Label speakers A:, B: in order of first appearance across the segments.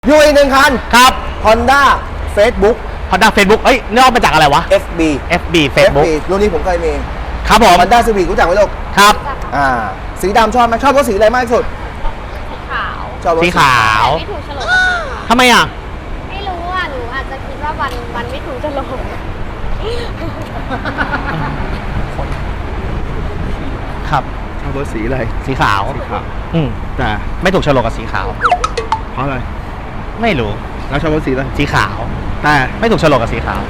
A: อยู่อีกหนึ่งคัน
B: ครับ
A: Honda Facebook
B: Honda Facebook เอ้ยนี่ออกมาจากอะไรวะ
A: FB
B: FB Facebook
A: รุ่นนี้ผมเคยมี
B: ครับผม
A: Honda Civic รู้จักไหมลูก
B: ครับ
A: สีดำชอบไหมชอบรถสีอะไรมากที่สุด
C: ขาว
A: ชอบรถ
B: สีขาว
C: ไม่ถูกโฉลกกับสีขาว
B: ทำไมอ่ะ
C: ไม่รู้อ่ะ หนูอาจจะคิดว่าวันไม่ถูกโฉลก
B: ครับ
A: ชอบรถสีอะไร
B: สีขาว
A: สีขาว
B: แต่ไม่ถูกโฉลกกับสีขาว
A: เพราะอะไร
B: ไม่รู้
A: แล้วชอบรถสีอะไร
B: สีขาว
A: แต่
B: ไม่ถูกโฉลกกับสีขาว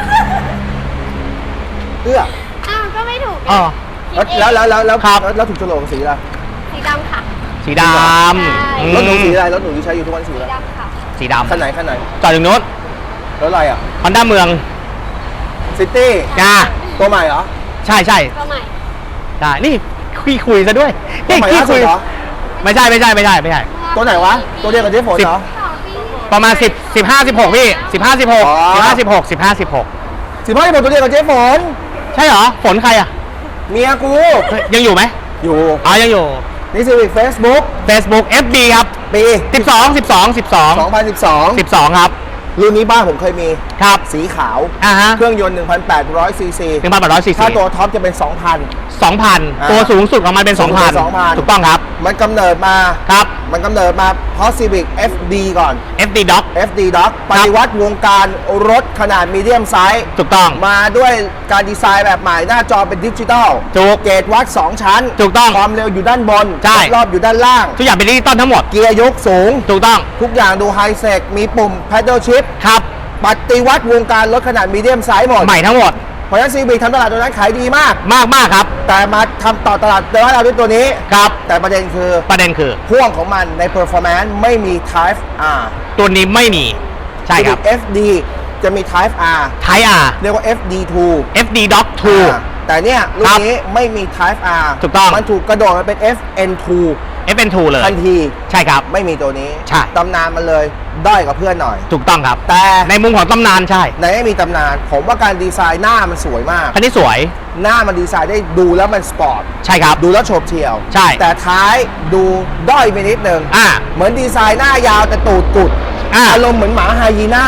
A: เอื้อ
C: อ้าวก็ไม่ถูกไง
B: อ๋อ
C: คิดเอง
A: แล้ว
B: ครับ
A: แล้วถูกโฉลกกับสีอะไร
C: สีดำค่ะ
B: สีด
C: ใช่
B: ำอืม
A: รถหนูสีอะไรรถหนูที่ใช้อยู่ทุกวันสี
C: สี
A: อะไร
C: ดำค่ะ
B: สีดำ
A: คันไหน
B: จอดอยู่นู้น
A: รถอะไรอ่ะ
B: Honda เมือง
A: ซิตี้
B: จ้า
A: ตัวใหม่เหรอ
B: ใช่ใช่
C: ก็ใหม่
B: ได้นี่คุยซะด้วย
A: ตัวใหม่ล่าสุดเหรอ
B: ไม่ใช่
A: ตัวไหนวะตัวเดียวกับเจ๊ฝนเหรอ
C: 2 ปี
B: ประมาณ10 15 16พี่15 16
A: อ๋อ
B: 15 16 15 16
A: 15ที่ผมตัวเดียวกับเจ๊ฝน
B: ใช่เหรอฝนใครอ่ะ
A: เมียกู
B: เฮ้ยยังอยู่ไหม
A: อยู่
B: อ๋อยังอยู่
A: นี่ Civic Facebook
B: Facebook FB ครับ
A: ปี
B: 12
A: 2012
B: ครับ
A: รุ่นนี้บ้านผมเคยมี
B: ครับ
A: สีขาว
B: ฮะ
A: เครื่องยนต์ 1,800 ซีซี
B: 1,800
A: ถ้า
B: cc
A: ตัวท็อปจะเป็น
B: 2,000 ตัวสูงสุดของมันเป็น
A: สูงสุด
B: 2,000 ถูกต้องครับ
A: มันกำเนิดมา
B: ครับ
A: เพราะ Civic FD ก่อน
B: FD Doc
A: FD Doc ปฏิวัติวงการรถขนาดมีเดียมไซส์
B: ถูกต้อง
A: มาด้วยการดีไซน์แบบใหม่หน้าจอเป็นดิจิตอล
B: ถูก
A: เกจวัด 2 ชั้น
B: ถูกต้อง
A: ความเร็วอยู่ด้านบน
B: ใช่
A: รอบอยู่ด้านล่าง
B: ทุกอย่างเป็นดิจิตอลทั้งหมด
A: เกียร์ยกสูง
B: ถูกต้อง
A: ทุกอย่างดูไฮเซกมีปุ่ม Paddle Shift
B: ครับ
A: ปฏิวัติวงการรถขนาดมีเดียมไซส์หมด
B: ใหม่ทั้งหมด
A: เพราะฉะนั้น Civic ทำตลาดตัวนั้นขายดีมาก
B: มากครับ
A: แต่มาทำต่อตลาดในบ้านเราด้วยตัวนี้
B: ครับ
A: แต่ประเด็นคือ
B: ประเด็นคือ
A: พ่วงของมันใน performance ไม่มี Type R
B: ตัวนี้ไม่มี ใช่ครับ
A: Civic FD จะมี Type R
B: Type R
A: เรียกว่า FD2
B: FD Doc
A: แต่เนี่ยรุ่นนี้ไม่มี Type R
B: ถูกต้อง
A: มันถูกกระโดดมาเป็น FN2
B: 2 FN2 เลย
A: ทันที
B: ใช่ครับ
A: ไม่มีตัวนี้
B: ใช่
A: ตำนานมันเลยด้อยกับเพื่อนหน่อย
B: ถูกต้องครับ
A: แต่
B: ในมุมของตำนานใช่
A: ในไม่มีตำนาน ผมว่าการดีไซน์หน้ามันสวยมาก
B: คันนี้สวย
A: หน้ามันดีไซน์ได้ดูแล้วมันสปอร์ต
B: ใช่ครับ
A: ดูแล้วโฉบเฉี่ยว
B: ใช่
A: แต่ท้ายดูด้อยไปนิดนึง
B: อ่า
A: เหมือนดีไซน์หน้ายาวแต่ตูดกุด
B: อ่า
A: อารมณ์เหมือนหมาไฮยีน่า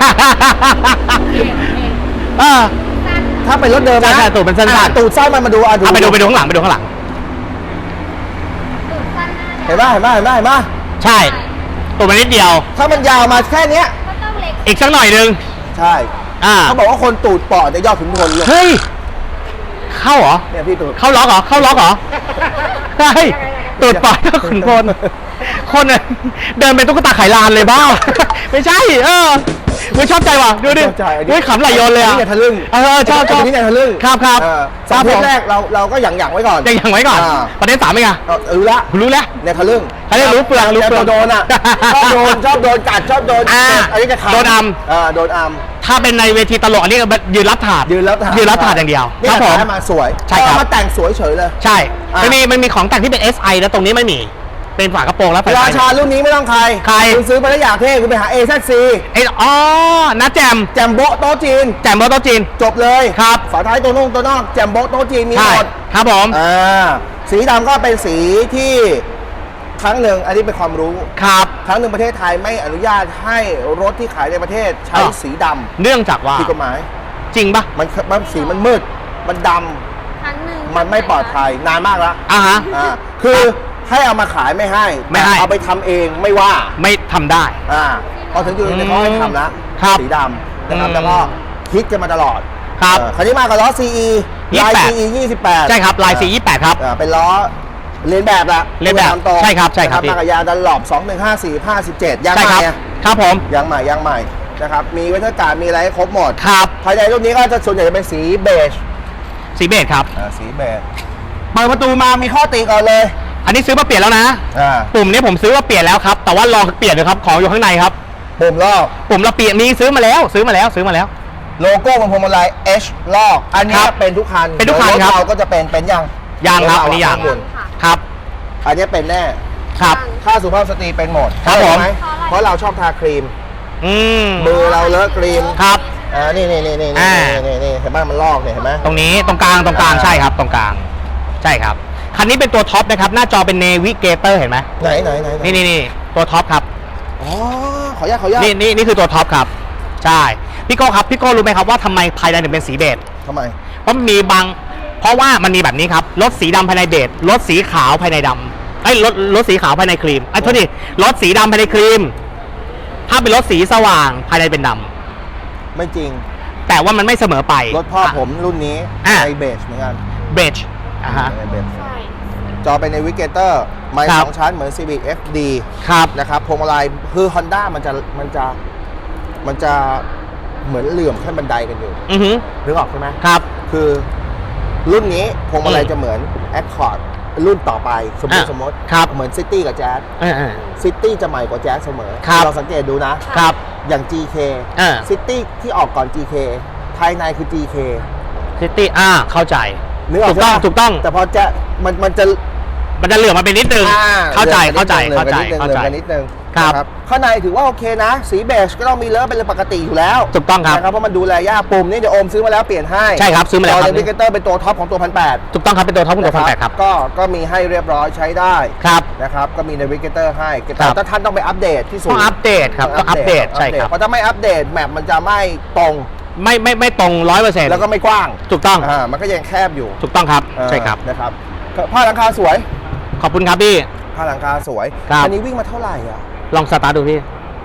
B: เออ
A: ถ้าเป็นรถเดิมนะ
B: ใช่ตูดมันสั้นๆ
A: อ่ะตูดสั้นมันมาดูอ่ะ
B: เอาไปดูข้างหลังไปดูข้างหลัง
C: ตูดสั้นหน้า
A: เห็นป่ะเห็นป่ะเห็นป่ะเห็นป่ะ
B: ใช่ตัวมันนิดเดียว
A: ถ้ามันยาวมาแค่เนี้ย
C: ก็ต้องเล็ก
B: อีกสักหน่อยนึง
A: ใช่ เขาบอกว่าคนตูดปอดจะยอดขุนพลเลย
B: เฮ้ย เข้าเหรอ
A: เนี่ยพี่ตูด
B: เข้าล็อกเหรอ เข้าล็อกเหรอใช่ตูดปล่อยก็ขุนพลคนน่ะเดินเป็นตุ๊กตาไขลานเลยบ้า ไม่ใช่ ไม่ชอบใจว่ะ ดูดิ
A: ชอบใจอันนี้
B: เฮ้ยขำไหลโยนเลย
A: อัน
B: อ่ะ
A: นี้เนี่ยทะลึ่ง
B: ชอบ
A: อันนี้เนี่ยทะลึ่ง
B: ครับ
A: สอง
B: ผ
A: เทป
B: ม
A: แรกเราก็หยั่งไว้ก่อน
B: ยังไว้ก่อน ประเด็น3เป็นไง
A: รู้ละ
B: คุณรู้แล้ว
A: เนี่ยทะลึ่ง
B: เขาเรียกรู้เปลืองรู้เปลือง
A: โดนอ่ะ ชอบโดนกัดชอบโดน
B: อ่า
A: อันนี้จะขา
B: โดนอัม
A: โดนอัม
B: ถ้าเป็นในเวทีตลกอันนี้ก็ยืนรับถาด
A: ยืนรับถาด
B: อย่างเดียว
A: นี่
B: ครับผม
A: ขายมาสวย
B: ใช่ครับ
A: เอามาแต่งสวยเฉยเลย
B: ใช่
A: อ่ะ
B: มันมีของแต่งที่เป็น SI แล้วตรงนี้ไม่มี เป็นฝากระโปรงแล้วไฟ
A: ราชารุ่นนี้ไม่ต้องใคร
B: ใคร
A: คุณซื้อไปแล้วอยากเท่คุณไปหา AZC
B: นะแจม
A: แจมโบะโต๊ะจีน
B: แจมโบโตะจีน
A: จบเลย
B: ครับ
A: ฝาท้ายตัวนอกแจมโบะโต๊ะจีนมี
B: ใช่
A: หมด
B: ครับผม
A: สีดำก็เป็นสีที่ครั้งหนึ่งอันนี้เป็นความรู้
B: ครับ
A: ครั้งหนึ่งประเทศไทยไม่อนุญาตให้รถที่ขายในประเทศใช้
B: อ่ะ
A: สีดำ
B: เนื่องจากว่า
A: ผิดกฎหมาย
B: จริงปะ
A: มันสีมันมืด มันด
C: ครั้งหนึ่ง
A: ำมันไม่ปลอดภัยนานมากแล้ว
B: อ่ะฮะ
A: คือให้เอามาขายไม่ให้
B: ไม่ให้
A: แต่เอาไปทำเองไม่ว่า
B: ไม่ทำได้
A: พอถึงจุดนี้เขาให้ทำแล้ว
B: ครับ
A: สีดำนะครับ
B: อืม
A: แล้วก็คิดกันมาตลอด
B: ครับ
A: คันนี้มากับล้อ CE ลาย
B: 28
A: CE 28
B: ใช่ครับลาย428ครับ
A: เป็นล้อเลียนแบบละ
B: เลียนแบบ
A: ตามตรง
B: ใช่ครับใช่ครับ
A: นะมากับยางดันหลอบ2154 57ยาง
B: ใช่
A: ให
B: ครั
A: ม่
B: บ
A: อะ
B: ครับผม
A: ยางใหม่นะครับมีเวทการ์ดมีอะไรให้ครบหมด
B: ครับ
A: ภายในรุ่นนี้ก็จะส่วนใหญ่จะเป็นสีเบจ
B: สีเบจครับ
A: สีเบจเปิดประตูมามีข้อติก่อนเลย
B: อันนี้ซื้อมาเปลี่ยนแล้วนะ
A: อ่า
B: ปุ่มนี้ผมซื้อมาเปลี่ยนแล้วครับ แต่ว่าลองเปลี่ยนเลยครับ ของอยู่ข้างในครับ
A: ปุ่มลอก
B: ปุ่มเราเปลี่ยนมีซื้อมาแล้ว
A: โลโก้บนพวงมาลัย H ลอกอันนี้
B: ครับ
A: เป็นทุกคัน
B: เป็นทุกคันครับ
A: ถเราก็จะเป็นยัง
B: ยางครับ
A: ถ
B: อันนี้ยาง
A: ข้บน
B: ครับ
A: อันนี้เป็นแน่
B: ครับ
A: ถ้าสุภาพสตรีเป็นหมด
B: ครับผม
A: ใช่ไหเพราะเราชอบทาครีม
B: อืม
A: มือเราเลอะครีม
B: ครับ
A: นี่
B: อ่า
A: นี่เห็นไหมมันลอกเนี่ยเห็นไหม
B: ตรงนี้ตรงกลางใช่ครับตรงกลางใช่ครับคันนี้เป็นตัวท็อปนะครับหน้าจอเป็นเนวิเกเตอร์เห็นไหม
A: ไหน
B: นี่ตัวท็อปครับ
A: อ๋อ ขออนุญาต
B: นี่คือตัวท็อปครับ ใช่ พี่โก้ครับ พี่โก้รู้ไหมครับว่าทำไมภายในถึงเป็นสีเบจ
A: ทำไม
B: เพราะว่ามันมีแบบนี้ครับ รถสีดำภายในเบจรถสีขาวภายในดำรถสีขาวภายในครีมโทษทีรถสีดำภายในครีม ถ้าเป็นรถสีสว่างภายในเป็นดำ
A: ไม่จริง
B: แต่ว่ามันไม่เสมอไป
A: รถพ่อผมรุ่นนี้
B: อ่ะ
A: ในเบจเหมือนกัน
B: เบจฮะ
A: ในเบจ
C: ใช่
A: จอเป็นในวิกเกเตอร์ไม้
B: ครับ
A: สองชั้นเหมือน Civic FD
B: ครับ
A: นะครับพวงมาลัยคือ Honda มันจะเหมือนเหลื่อมขั้นบันไดกันอยู่
B: อือหือ
A: นึกออกใช่ไหม
B: ครับ
A: คือรุ่นนี้พวงมาลัย
B: อืม
A: จะเหมือน Accord รุ่นต่อไปสมมติ
B: ครับ
A: เหมือน City กับ Jazz ซิตี้จะใหม่กว่าแจ๊สเสมอ
B: ครับ
A: เราสังเกตดูนะ
B: ครับ
A: อย่าง GK ซิตี้ที่ออกก่อน GK ภายในคือ GK
B: ซิตี้เข้าใจ
A: นึกออก
B: ถูกต้อง
A: ใช่ปะ
B: ถูกต้อง
A: แต่พอแจ๊สมันจะ
B: มันจะเหลื่อมมาเป็นนิดนึง เข้าใจ
A: เหลื่อมกันนิดนึง
B: ครับ
A: นะข้างในถือว่าโอเคนะ สีเบจก็ต้องมีเลอะเป็นเรื่องปกติอยู่แล้ว
B: ถูกต้องครับ
A: นะครับเพราะมันดูแลยากปุ่มนี่เดี๋ยวโอมซื้อมาแล้วเปลี่ยนให้
B: ใช่ครับซื้อมาแล้วครับ
A: จอเดวิเกเตอร์เป็นตัวท็อปของตัว 1,800
B: ถูกต้องครับเป็นตัวท็อปของตัวพันแปดครับ
A: ก็มีให้เรียบร้อยใช้ได้
B: ครับ
A: นะครับก็มีเนวิเกเตอร์ให้
B: ครั
A: แต่
B: บ
A: ถ้าท่านต้องไปอัปเดตที่สุด
B: ต้องอัปเดตครับต้องอัปเดตใช่ครับ
A: เพราะถ้าไม่อัปเดตแมปมันจะไม่ตรง
B: ไม่ตรง 100%
A: แล้วก็ไม่กว้าง
B: ถูกต้อง
A: มันก็ยังแคบอยู่
B: ถูกต้องครับ ใช่ครับ
A: นะครับผ้าหลังคาสวย
B: ขอบคุณครับพี่
A: ผ้าหลังคาสวย
B: ครับ
A: อันี้วิ่งมาเท่าไหร่อ่ะ
B: ลองสตาร์ทดูพี่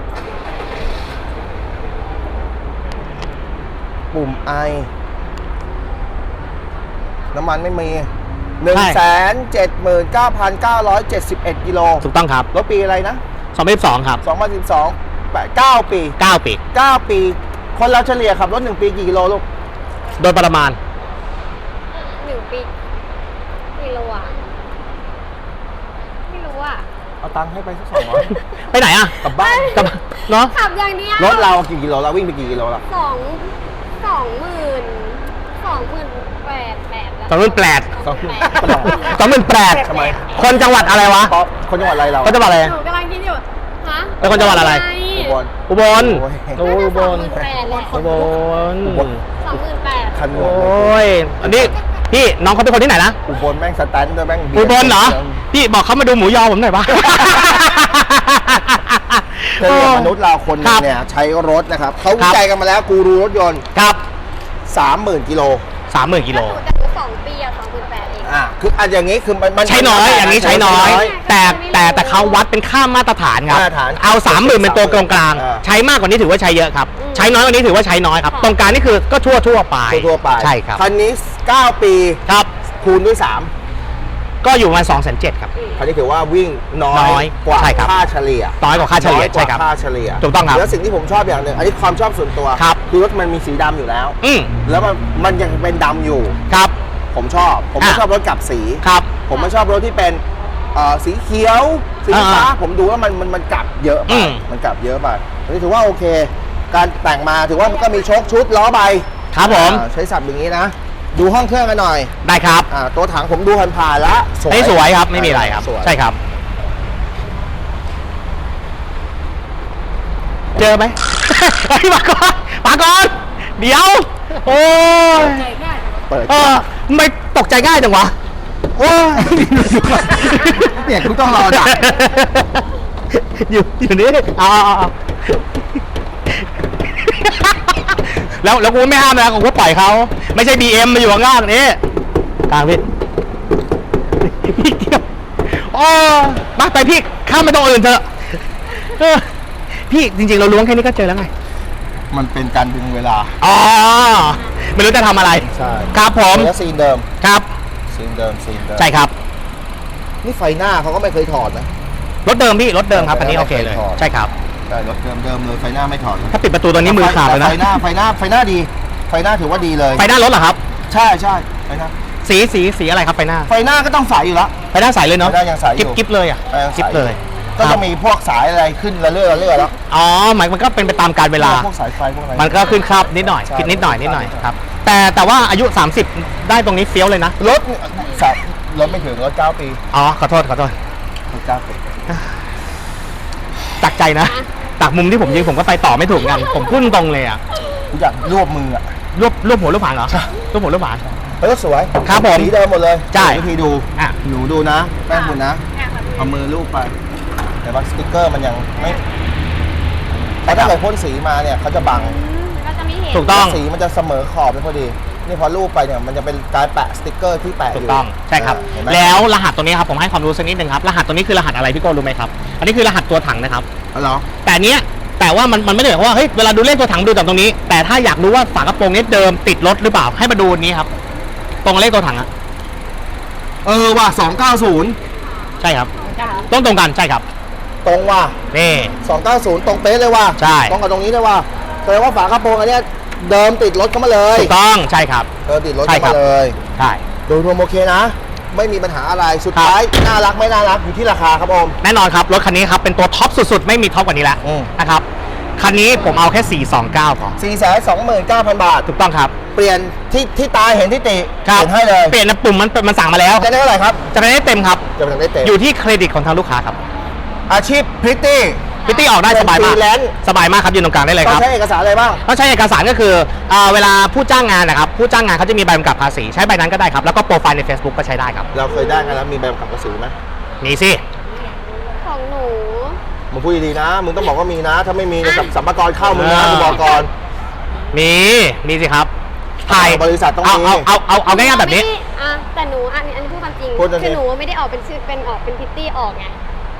A: ปุ่มไอน้ำมันไม่มี
B: ใช่
A: 179,971 กิโล
B: ถูกต้องครับ
A: รถปีอะไรนะ
B: 2022ครับ
A: 2012 9 ปี
B: 9 ปี
A: 9 ปี คนเราเฉลี่ยขับรถ 1 ปีกี่กิโลลูก
B: โดยประมาณ
C: 1 ปีกิโลอ่ะไม่รู้อ่ะ
A: เอาตังค์ให้ไปสัก200
B: ไปไหนอ่ะ
A: กลับบ้าน
B: กลับเนาะ
C: ขับอย่างเดียว
A: รถเรากี่กิโลเราวิ่งไปกี่กิโลละ
C: 28,000
A: ทำไม
B: คนจังหวัดอะไรวะ
A: ป๊อปคนจังหวัดอะไรเรา
B: คนจังหวัดอะไร
C: หนูกำลังคิดอยู่ฮะ
B: เป็นคนจังหวัดอะไร
A: อุบล
B: อุบล
A: โอ้ย
B: โอ้ยอุบล
C: 28,000แหละ
B: อุบล
C: 28,000
A: คัน
B: โอ
A: หัว้
B: ย อันนี้พี่น้องเขาเป็นคนที่ไหนนะ
A: อุบลแม่งสแตนด์ด้วยแม่ง
B: อุบลเหรอ พี่บอกเขามาดูหมูยอผมหน่อยปะ
A: เจอกับมนุษย์เราคนหนึงเนี่ยใช้รถนะครับเขาวิจัยกันมาแล้วกูรูรถยนต์
B: ครับ
A: 30,000 กิโล
B: 30,000 กิโล
C: แต่หนู2 ปีอ่ะ28,000เอง
A: คืออันอย่างนี้คือมัน
B: ใช้น้อย อย่างนี้ใช้น้อย แต่เขาวัดเป็นค่ามาตรฐานครับ
A: มาตรฐาน
B: เอา 30,000 เป็นตัวกลาง
A: อ่า
B: ๆใช้มากกว่านี้ถือว่าใช้เยอะครับ ใช้น้อยกว่านี้ถือว่าใช้น้อยครับ ตรงกลางนี่คือก็ทั่วไป
A: ทั่วไป
B: ใช่ครับ
A: คันนี้ 9 ปี
B: ครับ
A: คูณด้วย
B: ก็อยู่ประมาณ2,700,000ครับ
A: 3คันนี้ถือว่าวิ่งน้
B: น้
A: อ
B: อย ย
A: กว่า
B: ใช่ครับ
A: ค่าเฉลี่ย
B: น้อยกว่าค่าเฉลี่ย
A: น้อยก
B: ใช่
A: ว่า
B: ครับ
A: ค่าเฉลี่ย
B: ถูกต้องครับ
A: แล้วสิ่งที่ผมชอบอย่างหนึ่งอันนี้ความชอบส่วนตัว
B: ครับ
A: คือรถมันมีสีดำอยู่แล้ว
B: อืม
A: แล้วมันยังเป็นดำอยู่
B: ครับ
A: ผมชอบ ผมไม่
B: อ่ะ
A: ชอบรถกลับสี
B: ครับ
A: ผมไม่ชอบรถที่เป็นสีเขียวสีฟ้าผมดูว่ามันกลับเยอะไป
B: อืม
A: มันกลับเยอะไปอันนี้ถือว่าโอเค การแต่งมาถือว่ามันก็มีโชคชุดล้อใบ
B: ครับผม
A: ใช้สับอย่างนี้นะ ดูห้องเครื่องกันหน่อย
B: ได้ครับ
A: ตัวถังผมดูผ่านๆแล้ว
B: ไม่สวยครับ ไม่มีอะไรครับ
A: สวย
B: ใช่ครับ เจอไหม เฮ้ยมาก่อนมาก่อน เดี๋ยว โอ้ย
A: เปิด
B: ทำไมตกใจง่ายจังวะ โอ้ย
A: เนี่ยคุณต้องรอดัก
B: อยู่นี่เอาแล้วกูไม่ห้ามนะกูก็ปล่อยเขา ไม่ใช่ BM มาอยู่ข้างล่างนี้กลางพี่พี่เกี่ยวโอ้มาไปพี่ข้ามไปตรงอื่นเถอะพี่จริงๆเราล้วงแค่นี้ก็เจอแล้วไง
A: มันเป็นการดึงเวลา
B: อ๋อ ไม่รู้จะทำอะไร
A: ใช่
B: ครับผม
A: แล้วซีนเดิม
B: ครับ
A: ซีนเดิม
B: ใช่ครับ
A: นี่ไฟหน้าเขาก็ไม่เคยถอดนะ
B: รถเดิมพี่รถเดิมครับ อันนี้โอเคเลย
A: ถอด
B: ใช่ครับ
A: ใช่รถเดิมเลยไฟหน้าไม่ถอดเลย
B: ถ้าปิดประตูตัวนี้มือขาดเลยนะ
A: ไฟหน้าดี ไฟหน้าถือว่าดีเลย
B: ไฟหน้ารถเหรอครับ
A: ใช่ไฟหน้า
B: สีอะไรครับไฟหน้า
A: ไฟหน้าก็ต้องใสอยู่แล้ว
B: ไฟหน้าใสเลยเนาะ
A: ไฟหน้ายังใสอยู่
B: กิ๊บเลยอ่ะ
A: ไฟหน้าใส
B: กิ๊บเลย
A: ก็จะมีพวกสายอะไรขึ้นระเรื่อยแล้ว
B: อ๋อหมายมันก็เป็นไปตามกาลเวลา
A: พวกสายไฟพวกอะไร
B: มันก็ขึ้นคราบนิดหน่อย
A: ใช่
B: คิดนิดหน่อย
A: ใช่
B: นิดหน่อย
A: ใช่
B: ครับ แต่ว่าอายุ 30 ได้ตรงนี้เฟี้ยวเลยนะ
A: รถไม่ถึงรถ9 ปี
B: อ๋อขอโทษ
A: รถ9 ปี
B: จากใจนะจากมุมที่ผมยิงผมก็ไปต่อไม่ถูกกันผมพุ่งตรงเลยอ่ะ
A: กูอยากรวบมืออ่ะ
B: รวบหัวรวบหางเหรอรวบหัวรวบหาง
A: รถสวย
B: ครับผม
A: สีเดิมหมดเลย
B: ใช่
A: วิธีดู
B: อ่ะ
A: หนูดูนะแม่คุณนะเอามือลูบไป แต่ว่าสติ๊กเกอร์มันยังไม่เพราะถ้าเกิดพ่นสีมาเนี่ยเขาจะบัง
C: ก็จะไม่เห็น
B: ถูกต้อง
A: สีมันจะเสมอขอบเลยพอดี นี่พอรูปไปเนี่ยมันจะเป็นการแปะสติ๊กเกอร์ที่แปะอ
B: ถูก
A: ยู่
B: ต้องใช่ครับ
A: เห็นไหม
B: แล้วรหัสตัวนี้ครับผมให้ความรู้สักนิดนึงครับรหัสตัวนี้คือรหัสอะไรพี่โก้รู้ไหมครับอันนี้คือรหัสตัวถังนะครับ
A: อ๋อเหรอ
B: แต่ว่ามันไม่ได้หมายความว่าเฮ้ยเวลาดูเลขตัวถังดูจากตรงนี้ แต่ถ้าอยากรู้ว่าฝากระโปรงนี้เดิมติดรถหรือเปล่าให้มาดูอันนี้ครับตรงเลขตัวถังอะ
A: ว่ะ290
B: ใช่ครับต้องตรงกันใช่ครับ
A: ตรงว่ะ
B: นี่
A: 290 ตรงเป๊ะเลยว่ะ
B: ใช่
A: ตรงกับตรงนี้เลยว่ะแสดงว่าฝากระโปรงอันเนี้ยเดิมติดรถเข้ามาเลย
B: ถูกต้องใช่ครับ
A: ติดรถ
B: ใช่
A: เข้า
B: ครับ
A: มาเลย
B: ใช่
A: โดยรวมโอเคนะ ไม่มีปัญหาอะไรสุดท้ายน่ารักไม่น่ารักอยู่ที่ราคาครับอม
B: แน่นอนครับรถคันนี้ครับเป็นตัวท็อปสุดๆไม่มีท็อปกว่านี้แล้ว
A: อืม
B: นะครับคันนี้ผมเอาแค่429พอ
A: 429,000 บาท
B: ถูกต้องครับ
A: เปลี่ยนที่ตาเห็นที่ติ
B: ครั
A: เปลี่ยนให้เลย
B: เปลี่ยนนะปุ่มมันสั่งมาแล้ว
A: จะได้เท่าไหร่ครับ
B: จะได้เต็มครับ
A: จะได้เต็ม
B: อยู่ที่เครดิตของทางลูกค้าครับ
A: อาชีพพริตตี้
B: พิตตี้ออกได้สบายมาก
A: เป็นฟรีแลนซ์
B: สบายมากครับยืนตรงกลางได้เลย
A: ต้อ
B: ค
A: ง
B: รับ
A: ใช้เอกสารอะไรบ้าง
B: ต้องใช้เอกสารก็คือเวลาผู้จ้างงานนะครับผู้จ้างงานเขาจะมีใบกำกับภาษีใช้ใบนั้นก็ได้ครับแล้วก็โปรไฟล์ใน Facebook ก็ใช้ได้ครับ
A: เราเคยได้กันแล้วมีใบกำกับภาษีไหม
B: มีสิ
C: ของหนู
A: มึงพูดดีๆนะมึงต้องบอกว่ามีนะ ถ้าไม่มีเนี่ยสัมภาระเข้ามึงนะกูบอกก่อน
B: มีสิครับถ่าย
A: บริษัทต้องมี
B: เอาง่ายๆแบบนี้
C: ไม่ได้อ่ะแต่หนูอันนี้พูดความจริง
A: พูดจริง
C: คือหนูไม่ได้ออกเป็นชื่อเป็นพิตตี้ออกไง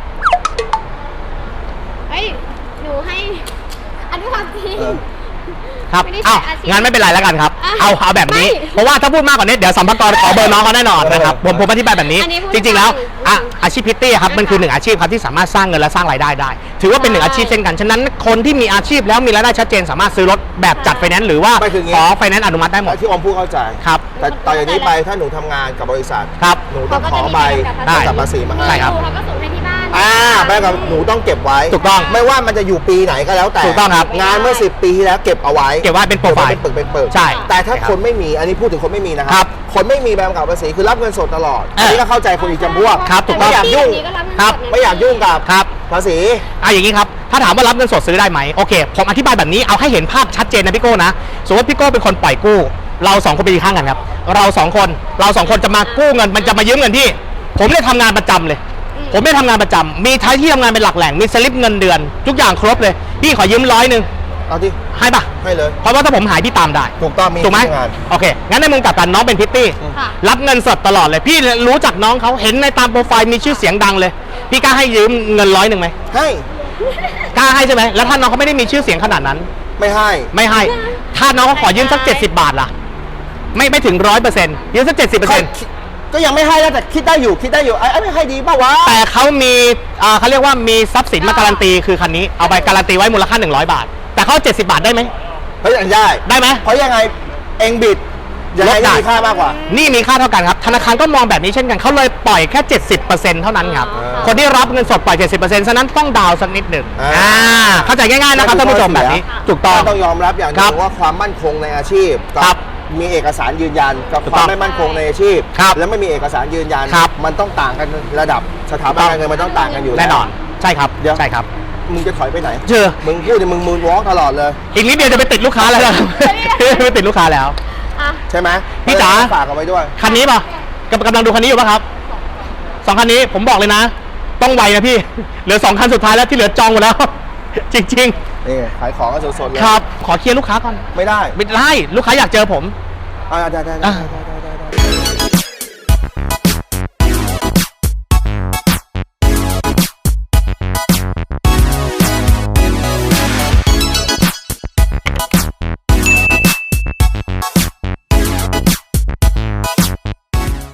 C: เฮ้ยหนูให้ อันนี้ความจริง
B: ครับ
C: ไม่ได้
B: อ้าว
C: ใช้อาชีพ
B: งั้นไม่เป็นไรแล้วกันครับ
C: อ่ะ
B: เอาแบบนี้
C: ไม่
B: เพราะว่าถ้าพูดมากกว่านี้เดี๋ยวสัมภาระขอเบอร์น้องเขาแน่นอนนะครับผมอธิบายแบบนี้
C: อันนี้พูด
B: จริงๆแล้ว
C: ได้
B: อาชีพพิตตี้ครับมันคือหนึ่งอาชีพครับที่สามารถสร้างเงินและสร้างรายได้ได้ ถือว่าเป็นหนึ่งอาชีพเช่นกันฉะนั้นคนที่มีอาชีพแล้วมีรายได้ชัดเจนสามารถซื้อรถแบบจัดไฟแนนซ์หรือว่า
A: ไม่คืออย่างงี้
B: ขอไฟแนนซ์อนุมัติได้หมด
A: ที่อมพูดเข้าใจ
B: ครับ
A: แต่ต่อจากนี้ไปถ้าหนูทำงานกับบริษัท
B: ครับ
A: หนูต้องขอใบ
B: ได้
A: กำกับภาษีมาให้
B: ใช่ครับ
C: เขาก็ส่งให้ที่บ้าน
A: ใบกับหนูต้องเก็บไว้
B: ถูกต้อง
A: ไม่ว่ามันจะอยู่ปีไหนก็แล้วแต่
B: ถูกต้องครับ
A: งานเมื่อ10 ปีที่แล้วเก็บเอาไว้
B: เก็บไว้เป็นโปรไฟล์
A: เป็นปึกเป็นปึก
B: ใช่
A: แต่ถ้า
B: ใช่ครับ
A: คนไม่มีอันนี้พูดถึงคนไม่มีนะค
B: ครั
A: รับ คนไม่มีใบกำกับภาษีคือรับเงินสดตลอด
B: เอออั
A: นนี้ก็เข้าใจคนอีกจำพวก
B: ครับถูกต้อง
A: ไม่อยากยุ่ง
B: ครับ
A: ไม่อยากยุ่งกับ
B: ครับ
A: ภาษี
B: อย่างนี้ครับถ้าถามว่ารับเงินสดซื้อได้ไหมโอเคผมอธิบายแบบนี้เอาให้เห็นภาพชัดเจนนะพี่โก้นะสมมติพี่โก้เป็นคนปล่อยกู้เราสองคนไปยืนข้างกันครับเราสองคนจะมากู้เงินมันจะมายืมเงินที่ผมเนี่ยทำงานประจำเลย ผมไม่ทำงานประจำมีท้ายที่ทำงานเป็นหลักแหล่งมีสลิปเงินเดือน ทุกอย่างครบเลยพี่ขอยืม100
A: เอาที่
B: ให้ปะ
A: ให้เลย
B: เพราะว่าถ้าผมหายพี่ตามได้
A: ถูกต้องมี
B: ถูกไหม
A: ที่งาน
B: โอเคงั้นในมุมกลับกันน้องเป็นพิตตี้
C: ค่ะ
B: รับเงินสดตลอดเลยพี่รู้จักน้องเขาเห็นในตามโปรไฟล์มีชื่อเสียงดังเลย พี่กล้าให้ยืมเงิน100ไหม
A: ให้
B: กล้าให้ใช่ไหมแล้วถ้าน้องเขาไม่ได้มีชื่อเสียงขนาดนั้น
A: ไม่ให้
B: ไม่ให้ ถ้าน้องเขาขอยืมสัก70 บาทล่ะไม่ถึง100%ยืมสัก70%
A: ก็ยังไม่ให้แล้วแต่คิดได้อยู่ไอ้ไม่ให้ดีป่าวะ
B: แต่เขามีเขาเรียกว่ามีทรัพย์สินมาการันตีคือคันนี้เอาไปการันตีไว้มูลค่า100 บาท แต่เขา70 บาทได้ไหม
A: เฮ้ยอันได้
B: ได้ไหม
A: เพราะยังไงเองบิดยังไง
B: ลดได้
A: ก็มีค่ามากกว่า
B: นี่มีค่าเท่ากันครับ ธนาคารก็มองแบบนี้เช่นกัน เขาเลยปล่อยแค่ 70%เท่านั้นครับ
A: อ่า
B: คนที่รับเงินสดปล่อย 70%ฉะนั้นต้องดาวน์สักนิดหนึ่ง
A: อ่า
B: เข้าใจง่ายๆนะครับท่านผู้ชมแบบนี้ ถูกต้อง
A: ต้องยอมรับอย่างหนึ
B: ครั
A: ง
B: บ
A: ว่าความมั่นคงในอาชีพกั
B: ครับ
A: มีเอกสารยืนยันกับ
B: ถูก
A: ค
B: ต้
A: วา
B: อ
A: ม
B: ง
A: ไม่มั่นคงในอาชีพ
B: ครับ
A: และไม่มีเอกสารยืนยัน
B: ครับ
A: มันต้องต่างกันระดับสถาบันการเงินมันต้องต่างกันอยู่ล้ว
B: แน่นอน ใช่ครับ
A: เดี๋ยว
B: ใช่ครับ
A: มึงจะถอยไปไหน
B: เจอ
A: มึงพูดเนี่ยมึงมูนวอล์กตลอดเลย
B: อีกนิดเดียวจะไปติดลูกค้าแล้วนะครับ ไปติดลูกค้าแล้ว
C: อ่ะ
A: ใช่ไหม
B: พี่จ๋า
A: ฝากเอาไว้ด้วย
B: คันนี้ป่ะกำลังดูคันนี้อยู่ป่ะครับสองคันนี้ผมบอกเลยนะ ต้องไวนะพี่ เหลือ2 คันสุดท้ายแล้วที่เหลือจองหมดแล้ว จริง
A: นี่ขายของกันสดๆเลย
B: ๆ ครับ ขอเคลียร์ลูกค้าก่อน
A: ไม่ได้
B: ไม่ได้ลูกค้าอยากเจอผม
A: ได้
B: อ่ะ